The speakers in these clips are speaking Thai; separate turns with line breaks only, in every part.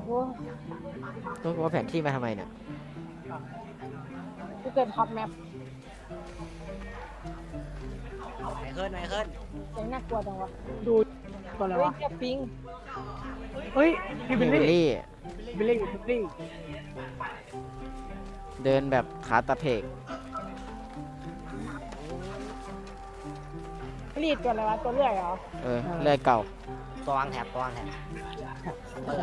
อ้
ต้องว่าแผนที่มาทำไมเนี่ย
กูเกิดท็อปแมป
ไหนขึ้นไหนขึ้น
เสียงน่ากลัวจังวะ
ดูก่อนเลยวะ
เฮ้ยเจ้าปิง
เฮ้ยพี่บิ
บิ
ล
ล
ลี่
ลี่
บิลลี่บิลลี่
เดินแบบขาตะเพก
รีดตัวอะไรวะตัวเลื่อยเหรอ
เลื่อยเก่า
ตัววางแถบตัววางแถบเปิด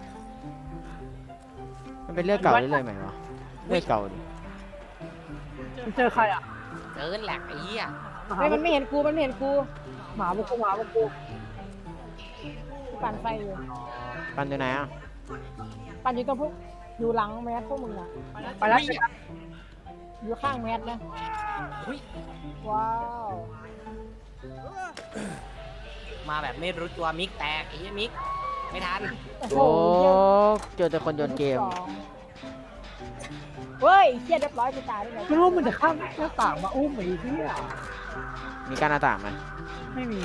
มันเป็นเลื่อยเก่าหรือเลื่อยใหม่วะเลื่อยเก่าดิ
มันเจอใครอ่ะ
เดินแหลกไอ้เหี้ย
เฮ้ยมันไม่เห็นกูมันไม่เห็นกู
หมาบุกกูหมาบุกกู
กูปั่นไฟอยู่
ปันอยู่ไหนอ่ะ
ปั่นอยู่ตรงพวกอยู่หลังแมสพวกมึงอะ
ไปแล้ว
อยู่ข้างแมสนะว้าว
มาแบบไม่รู้ตัวมิกแตกไอ้เหี้ยมิกไม่ทัน
โอ้โห
โอ้
เหี้ย
เจอแต่คนโยนเกม
สองเฮ้ยเฮียเรียบร้อยกูตายได้ไง
ไม่รู้มันจะข้ามหน้าต่างมาอุ้มไอ้เหี้ย
มีการหน้าต่างไหม
ไม่มี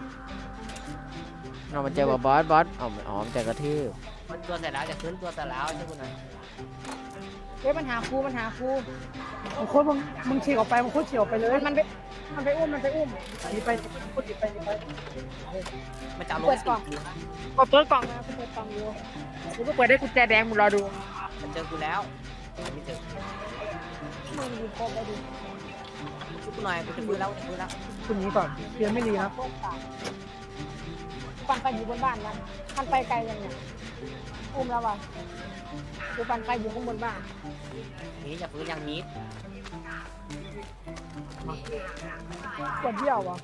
เรามาเจอกับบอสอ๋อมันเจอกระทืบ
ตัวเสร็จแล้วจะขึ้นตัวเสร็จแล้วใช่คุณหน่อย
เฮ้ยมันหากูมันหากู
มึงโคตรมึงฉีกออกไปมึงโคตรฉีกออกไปเลย
มันไปอุ้มมันไปอุ้ม
หนีไปโคตรหนีไปหนีไป
มันจะเอาล
เปิ
ง
ดกล่อง
สิ
ก็เปิดกล่องนะกูเปิดกล่องอยู่กูก็เปิดได้กุญแจแดงมึงรอดู
มันเจอกูแล้วไม่เจอ
มึงดูโคตรได้ดู
ช่วยกูหน่อยกูจะฟื้นแล้วกูจะฟื้นแล้ว
คุณนี้ก่อนเพียนไม่รีนะ
โคตรต่างปั่นไฟอยู่บนบ้านนะปั่นไปไกลยังเนี่ยอุ้มแล้วว่ะกูปั่นไฟอยู่ข้างบนบ้าน
นี่จะฟื้นยังมิก
ปวดเยี่ยวว่ะ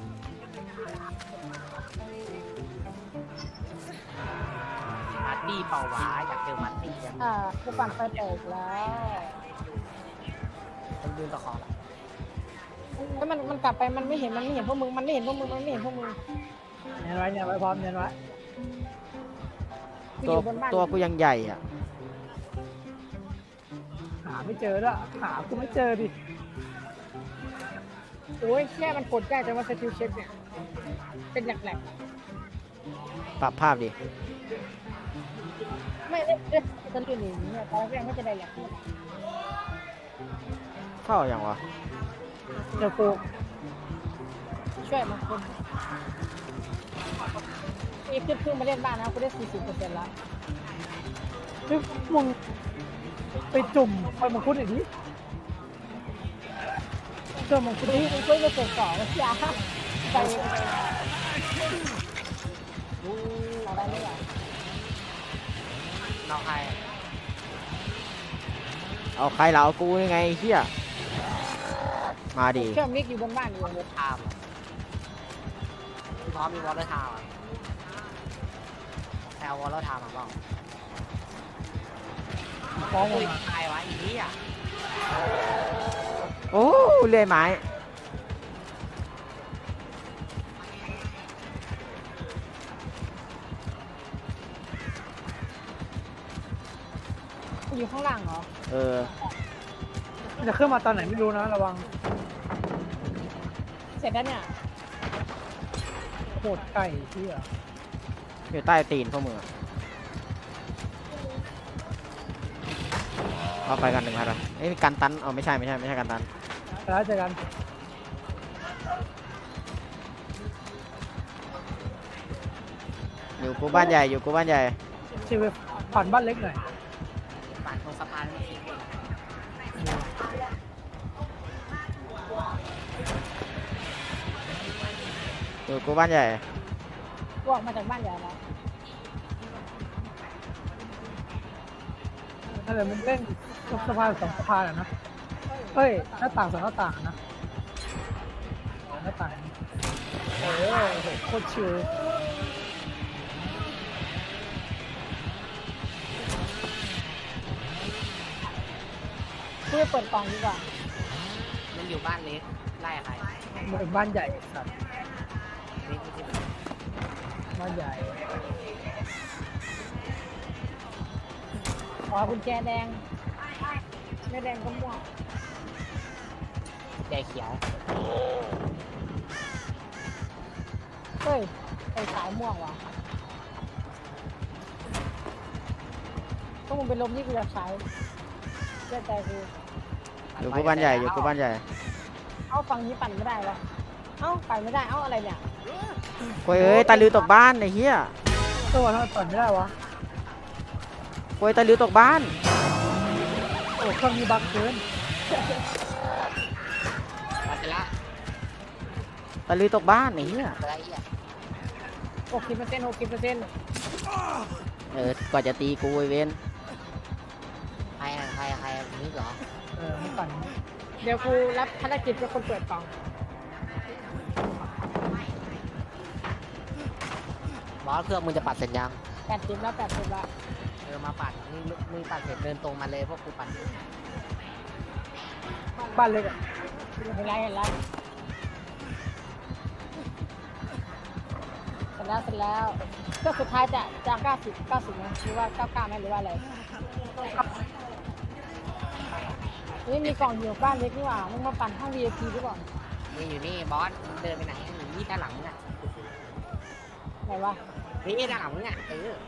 มาร์ตี้เป่าหวาอยากเจอมาร์ตี้จัง
กูปั่นไฟแตกแล้ว
ผมยืนตะขอละ
แล้วมันกลับไปมันไม่เห็นพวกมึงมันไม่เห็นพวกมึง
เนียนไว้เนียนไว้พร้อมเนียนไว้
กูอ
ตัว
ยู่บนบ้าน
ตัวกูยังใหญ่อ่ะ
หาไม่เจอแล้วหากูไม่เจอดิ
โอ้ยแค่มันกดได้แต่ว่าสกิลเช็คเนี่ยเป็นแหลก
ปรับภาพดิ
ๆไม่ได้สกิลหนีเนี่ยตอนแรกไม่จะได้แหลก
เข้าอย่างวะ
เจอกู
ช่วยมันคนนี่เพิ่งมาเล่นบ้านนะกูได้ 40%แล้ว
เฮ้ยมึงไปจุ่มไปมังคุดหน่อยดิเจอมังคุด
นี่มึงช่วยมาเสร็จ2แล้วจ้าไปเอาได้ไหมล่ะ
นอกใคร
เอาใครเราเอากูยังไงเฮียมาดิ
เครื่องมิกอยู่บนบ้านอยู่
วอลเลอร์ไทม์พี่พร้อมมีวอลเลอร์ไทม์แต่เอาวอลเลอร์ไทม์มาบ้าง
ฟ้อง
อุ้ย
มา
ตายวะอีนี่อ่ะ
โอ้เลื่อยไม้
อยู่ข้างล่างเหรอ
มันจะขึ้นมาตอนไหนไม่รู้นะระวัง
เสร็จแล้วเนี่ย
โคตรไก่เหี้ย
อยู่ใต้ตีนพวกมึงอะเอาไปกัน1,000ละเอ้ยมีการตันเอาไม่ใช่การตัน
แล้วเจอกัน
อยู่กูบ้านใหญ่อยู่กูบ้านใหญ่
ชีวิตผ่านบ้านเล็กหน่อย
ปั่นตรงสะพานไม่เห็น
อยู่กูบ้านใหญ่
กูออกมาจากบ้านใหญ่แล้ว
นั่นแหละมันเล่นสะพาน2สะพานอะนะเฮ้ยหน้าต่าง2หน้าต่างอะนะหน้าต่างโอ้โหโคตรชิว
กูจะเปิดกล่องดีกว่า
มันอยู่บ้านเล็กไล่ใคร
มันเป็นบ้านใหญ่สัตว์
เล็กไม่ใช่
บ้านใหญ่
ขอกุญแจแดงไม่แดงก็ม่วง
แดงเขียว
เฮ้ยไอ้สายม่วงว่ะก็มึงเป็นลมนี่กูจะใช้เชื่อใจกู
อยู่กูบ้านใหญ่อยู่กูบ้านใหญ่
เอ้าฝั่งนี้ปั่นไม่ได้วะเอ้าปั่นไม่ได้เอ้าอะไรเนี่ย
โว้ยเอ้ยตาลือตกบ้านไอ้เหี้ย
ตัวทำไมปั่นไม่ได้วะ
โว้ยตาลือตกบ้าน
โอ้เครื่องมีบั๊กเกิน
มาเสร็จละ
ตาลือตกบ้านไอ้เหี้ย
อะไรอีกอ่ะ
60%
กว่าจะตีกูไอ้เวน
ใครมิกเหรอ
ไม่ปั่น
เดี๋ยวกูรับภารกิจเป็นคนเปิดกล่อง
บอสเครื่องมึงจะปัดเสร็จยัง
80แล้ว80แล้ว
มาปัดมึงปัดเสร็จเดินตรงมาเลยพวกกูปัด
บ้านเล็กอ่ะ
เห็นไรเสร็จแล้วก็สุดท้ายจะ90นะหรือว่า99ไหมหรือว่าอะไรนี่มีกล่องอยู่บ้านเล็กนี่หว่ามึงมาปั่นห้อง VIP หรือเปล่า
นี่อยู่นี่บอสเดินไปไหนนี่ด้านหลังมึงอ่ะ
ไหนวะ
นี่ด้านหลังมึงอ่ะ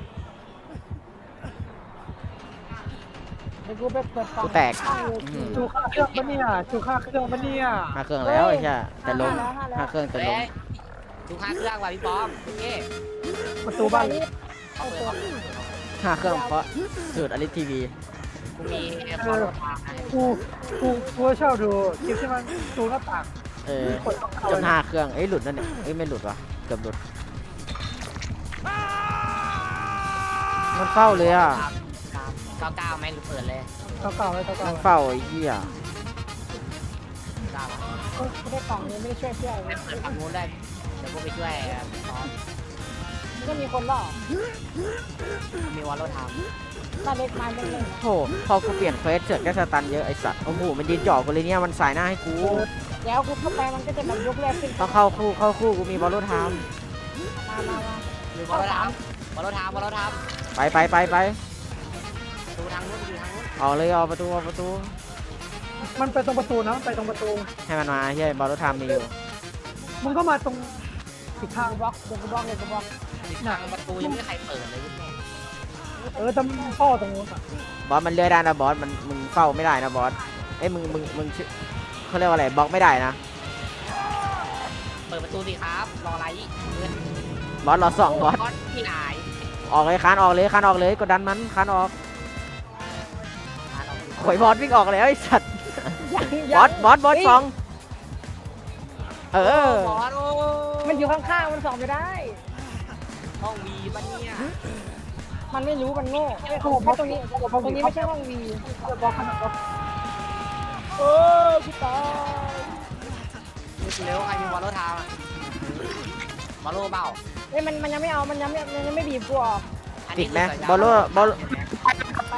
เดี๋ยวกูไปเปิดกล่อง
กูแตก
ห้อง VIP
ชูค่าเครื่องปะเนี่ยชูค่าเครื่องปะเนี่ย
ห้าเครื่องแล้วไอ้เหี้ยแต่ลง
5
ห้าเครื่องแต่ลง
ดูค่าเครื่องว่ะพี่ป้อมเอ๊
ประตูบ้าน
นี้
เขาเปิด
ห้าเครื่องเพราะสูตรอลิสทีวี
กูมีบอลทาง
กูเช่าดูคลิปที่มันดูหน้าต่าง กด
จนห้าเครื่องหลุดนั่นเนี่ยไม่หลุดวะเกือบหลุดมันเฝ้าเลยอ่ะ
99ไหมหรือเปิดเลย
เก่าๆเลย
มั
เก่าน
เฝ้าไอ้เหี้ย
9
ไม่ได้กล่องนี้ไม่ได้ช่วยเพื่อน
ไม่เปิดฝั่งนู้นได้เดี๋ยวกูไปช่วยซ้อม
ก็มีคนล่อ
มีวอลโลท
บ้านเล็กมาเป็นเลย
โหพอกูเปลี่ยนเฟสเสือกแค่สตันเยอะไอ้สัตว์โอ้โหมันยืนจ่อกูเลยเนี่ยมันสายหน้าให้กู
แล้วกูเข้าไปมันก็จะแบบยกแรกขึ้น
ต้องเข้าคู่กูมีบอลลูนไทม์
มา
ำมีวอลโลทำวอลโลทำวอลโลทำ
ไป
ดูทางนู้นดูทางนู้น
ออกเลยออกประตู
มันไปตรงประตูนะมันไปตรงประตู
ให้มันมาเฮ้ยบอลลูนไทม์มีอยู่
มึงก็มาตรงผิดทาง
บล็อกเดี๋ยวกูบล็อกเลยกูบล็อก
ทางประตูยังไม่มีใครเปิดเลยแม่
ทำพ่อตรงนู้นอ่ะ
บอสมันเลื่อยได้นะบอสมันมึงเฝ้าไม่ได้นะบอสเอ้ยมึงเขาเรียกว่าอะไรบล็อกไม่ได้นะ
เปิดประตูสิครับรออะไร
บอสรอสองบอส
ที่ไหน
ออกเลยคานออกเลยกดดันมันคานออกโอยบอสวิ่งออกแล้วไอ้สัตว์บอสสอง
บ
เออ
อสโอ้
มันอยู่ข้างๆมันส่องไม่ได้
ห้องวีปะเนี่ย
มันไม่รู้มันโง่เพราะตรงนี้ไม่ใช่ห้องวี
บล็อกขนาดบล็อก
เออพี่ตาย
เร็วใครมีวอลโลทำวอลโลเปล่า
เอ้ยมันยังไม่เอามันยังไม่บีบกูออก
ติดไหมบอลลูน
ไป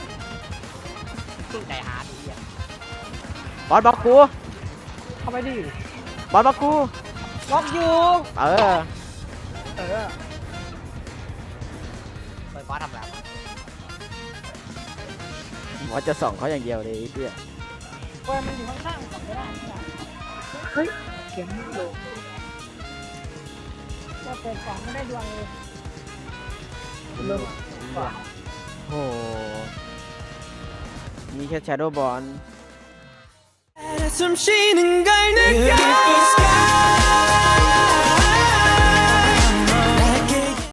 ใจหาดีอ่ะ
บอสบล็อกกู
เข้าไปดิ
บอสบล็อกกู
บล็อกอยู่
เออ
เออ
เปิดบอสทำอะไร
บอสจะส่องเขาอย่างเดียวเลยไอ้เหี้ย
เว้ยมันอยู่ข้างๆส่องไม่ได้
เฮ้ยเขียนไม่ลง
ก็เปิดกล่องไม่ได้ดวงเลย
เริ่ม
โอ้โหมีแค่ Shadow Ball
숨 쉬는 걸 느껴